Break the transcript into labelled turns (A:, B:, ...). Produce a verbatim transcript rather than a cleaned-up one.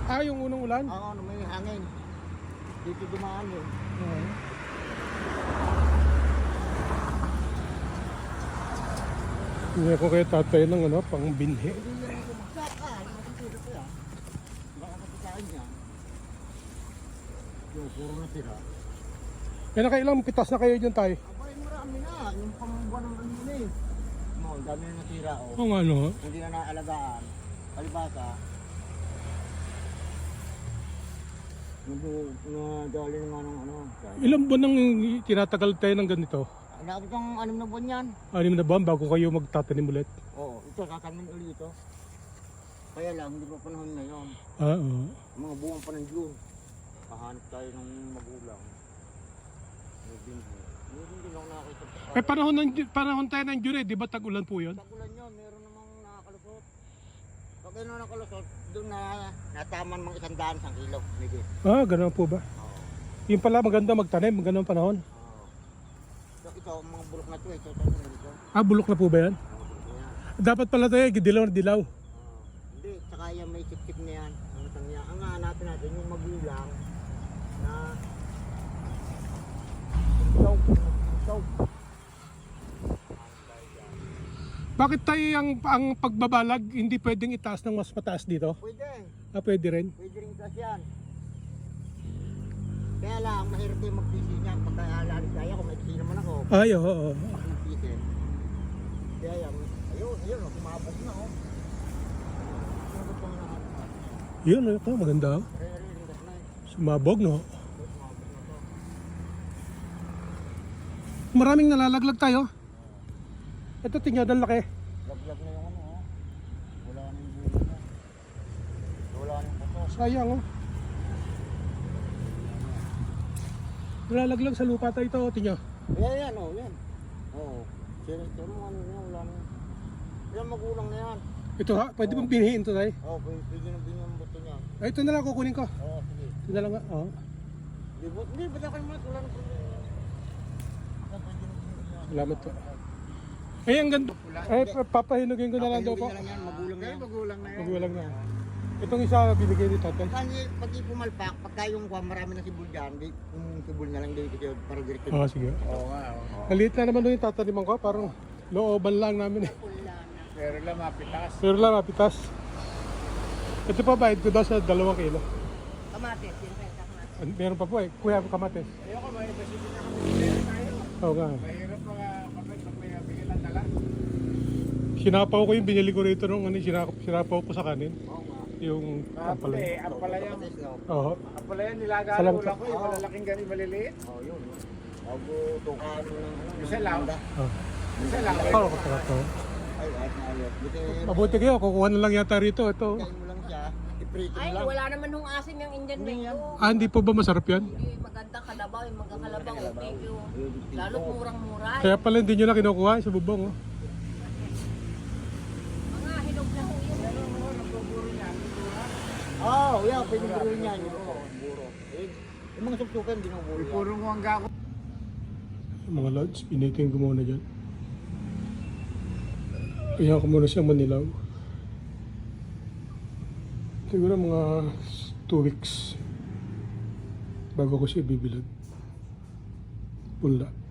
A: Ah, yung unang ulan?
B: Oo, ano, may hangin. Dito dumaan yun.
A: Oo. Hindi ako kaya tatay ng ano, pang binhi.
B: Hindi yan bumagsak ka. Ano matutulog ko yan? Baka kapitahin niya. Yung puro na sira.
A: Eh, nakailang pitas na kayo dyan tayo?
B: Abay, marami na. Yung pambuwan ng ano yun eh. No, dami na natira oh.
A: Oo nga, no?
B: Hindi na naalagaan. Palibasa. Nadali na nga ng ano.
A: Ilang buwan nang tinatagal tayo ng ganito?
B: Naabot ng anim na buwan yan.
A: Anim na buwan bago kayo magtatanim ulit?
B: Oo, ito tatanim ulit ito. Kaya lang, hindi pa panahon ngayon.
A: Ah, oo.
B: Mga buwan pa ng June. Kahanap tayo ng magulang. May binhi. Meron din ako nakakita.
A: Eh, panahon, ng, panahon tayo ng June, eh, di ba tag-ulan po yun?
B: Tagulan yun, meron namang nakakalusot. Pag ano nakalusot, doon na nataman mga isang daan sang kilo. Maybe.
A: Ah, ganun po ba?
B: Oo.
A: Yung pala maganda magtanim, ganun panahon.
B: Oo. So, ito, mga bulok na ito, ito, ito, ito, ito.
A: Ah, bulok na po ba yan?
B: Mga bulok na yan.
A: Dapat pala tayo, dilaw na dilaw.
B: Oo. Hindi, tsaka yan may sip-sip na yan. Ang tanya. Ang hanapin natin yung magulang na ikaw, ikaw.
A: Bakit tayo ang, ang pagbabalag hindi pwedeng itaas ng mas mataas dito?
B: Pwede,
A: Ah, pwede rin.
B: pwede rin kasi yan. Kaya lang, mahirap yung mag-P C niyan. Pagka alalig kaya ko, may P C naman ako.
A: Ay, oo, oo.
B: Ako ng P C. Kaya yan, ayun, ayun, oh, kumabog na oh. Kumabog pa nga nakataas na.
A: Yun, ito, maganda. Oh.
B: Re-re-ringas na eh.
A: Sumabog, no?
B: Kumabog na to.
A: Maraming nalalaglag tayo. Ito, tingnan, ang laki.
B: Laglag na yung ano oh. Wala na yung bulo na. Wala na yung puto.
A: Sayang, oh. Nalalaglag sa lupa tayo ito, tingnan.
B: Yan, yan oh, yan. Oo. Sino, sino mo ano yan, wala na. Yan magulang na yan.
A: Ito ha, pwede bang binhiin ito tayo?
B: Oo, pwede, pwede na binyan ang buto niya.
A: Ay, ito na lang kukunin ko.
B: Oo, sige.
A: Ito na lang, oh.
B: Hindi, bu- hindi, ba't ako naman, wala na problema. Yan, pwede na binyan niya.
A: Salamat po. Eh, ang ganda. Eh, papahinugin ko na lang daw po.
B: Papahinugin na lang yan, magulang na yan. Magulang na
A: Magulang na. Itong isa binigay ni tatay.
B: Kasi pag ipumalpak, pagka yung kuha marami na sibol dyan, di, yung sibol na lang din kasi para direkto.
A: Oo, sige.
B: Oo nga, oo.
A: Maliit na naman doon yung tataniman ko. Parang looban lang namin eh.
B: Pero lang mapitas.
A: Pero lang, mapitas. Ito pa, bayad ko daw sa dalawang kilo.
B: Kamatis, yun tayo, kamatis.
A: An- Meron pa po eh. Kuya, kamates.
B: Ayoko, may kasi din ako bigyan tayo.
A: Oo nga.
B: Mahirap mga kapit pag may bigyan lang dala.
A: Sinapaw ko yung binili ko rito nung ano, sinapaw, sinapaw ko sa kanin.
B: Oo nga.
A: Yung ampalay.
B: Ampalaya.
A: Oo.
B: Ampalaya nilagalo
A: Salamat
B: lang
A: po.
B: ko, yung malalaking gani maliliit. Oo, yun. Bago tukan ng isa lang.
A: Oh.
B: Isa lang.
A: Parang ko pala to.
B: Ay, ayos na ayos. Buti,
A: Mabuti kayo, kukuha na lang yata rito. Ito.
B: kain mo lang siya, iprito mo
C: Ay,
B: lang.
C: wala naman hong asim yung Indian
B: Hindi yan.
C: mango.
A: Ah, hindi po ba masarap yan?
C: Hindi, maganda kalabaw, yung magkakalabaw. Thank you. Lalo murang-mura.
A: Kaya pala hindi nyo na kinukuha sa bubong. Oh.
C: Mga hinog na ho yun.
B: Oo, oh, yeah, pwede buro niya. Oo, buro. Eh, yung mga supsukan, di na buro yan. Puro mo ang gako.
A: Mga lods, pinitin ko muna dyan. Kaya ko muna siyang manilaw. Siguro mga two weeks bago ko siya bibilad. Punla.